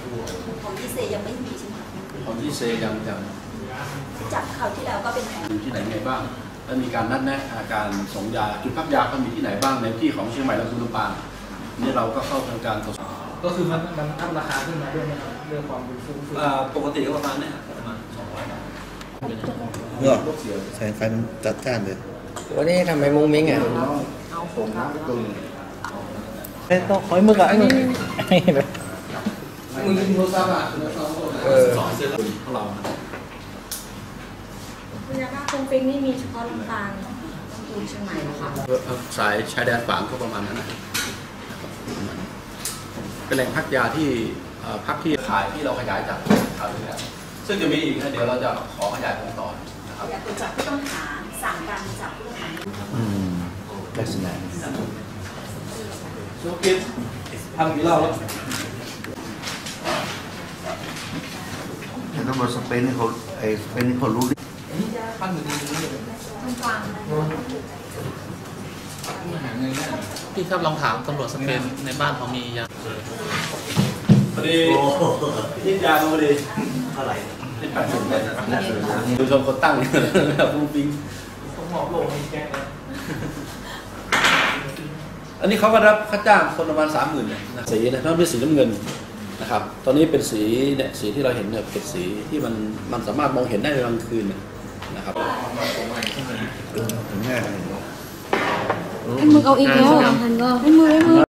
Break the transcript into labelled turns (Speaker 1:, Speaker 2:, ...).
Speaker 1: ของยี่เซยังไม่มีใช่ไหม
Speaker 2: ของยี่เซยัง
Speaker 1: จากข่าวที่แล้วก็เป็น
Speaker 2: อยู่ที่ไหนไงบ้างแล้วมีการนัดแนะการส่งยาจุดพักยาก็มีที่ไหนบ้างในที่ของเชียงใหม่และลำปางนี่เราก็เข้าทำการตรวจสอบ
Speaker 3: ก็คือมันอัพราคาขึ้นมาด้วยนะครับเรื่องความเป็นฟุ้ง
Speaker 2: ปกติก็ประมาณนี้ประมาณ200 บาท
Speaker 4: เมื่อแสงไฟมันจัดจ้านเลย
Speaker 5: วันนี้ทำไมมุ้งมิ้งอ่ะ
Speaker 1: เอาผมครับ
Speaker 4: ต้องคอยมือกับไอ้นี่
Speaker 3: มึงโทรศัพท์อ่ะ
Speaker 2: สอนเสื้อของเรา
Speaker 1: คุณยาบ้าคงเป็นนี่มีเฉพาะลำปางอยู่เชียงใหม่หรอคะ
Speaker 2: สายชายแดนฝางก็ประมาณนั้นนะเป็นแหล่งพักยาที่พักที่ขายที่เราขยายจากข่าวที่แล้วซึ่งจะมีอีกนะเดี๋ยวเราจะขอขยายผลต่อนะครับ
Speaker 1: อยากจับผู้ต้องหาสั่งการจับผู้ต้องหา
Speaker 4: ลักษณะ
Speaker 2: ชูกินทำกี่รอบแล้ว
Speaker 4: ตำรวจสเปนนี่เขาสเปนนี่เขารู้ดิ
Speaker 3: ขั้นอยู่ดี
Speaker 1: ลำปาง
Speaker 6: พี่ครับลองถามตำรวจสเปนในบ้านเขามียา
Speaker 2: พอดีที่ยาพอดีเท่าไหร่ที่80 เป็นดูชมคนตั้งฟุ้งฟิ้ง
Speaker 3: ผมบอกโลกมีแก้
Speaker 2: อันนี้เขาก็รับค่าจ้างคนประมาณ30,000เนี่ยสีนะนั่นเป็นสีน้ำเงินนะครับตอนนี้เป็นสีเนี่ยสีที่เราเห็นเนี่ยเป็นสีที่มันสามารถมองเห็นได้ในกลางคืนนะครับ
Speaker 4: ถึงแน่
Speaker 1: ไอ้มือเอาอีกแล้วไอ้มือ